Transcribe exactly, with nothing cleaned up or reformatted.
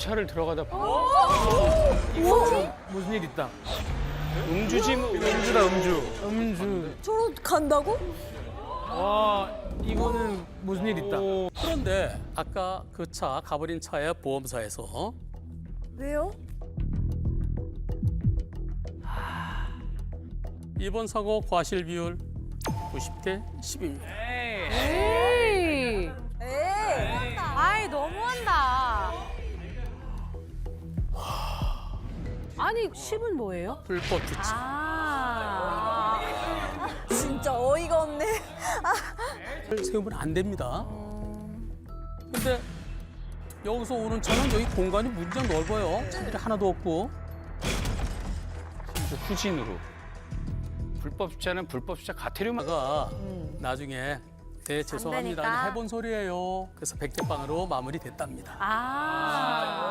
주차를 들어가다 봐. 무슨 일 있다. 음주지 뭐. 음주다 음주. 음주. 저로 간다고? 와 이거는 무슨 일 있다. 그런데 아까 그 차 가버린 차의 보험사에서 왜요? 이번 사고 과실 비율 구십 대 십입니다. 에이. 에이. 아이, 너무한다. 아니, 십은 뭐예요? 불법 주차. 아. 진짜 어이가 없네. 세우면 안 됩니다. 근데 여기서 오는 차는 여기 공간이 무지장 넓어요. 차들이 하나도 없고. 진짜 후진으로. 불법 주차는 불법 주차 가태료만. 가 나중에 네 죄송합니다 되니까. 해본 소리예요. 그래서 백대빵으로 마무리됐답니다. 아.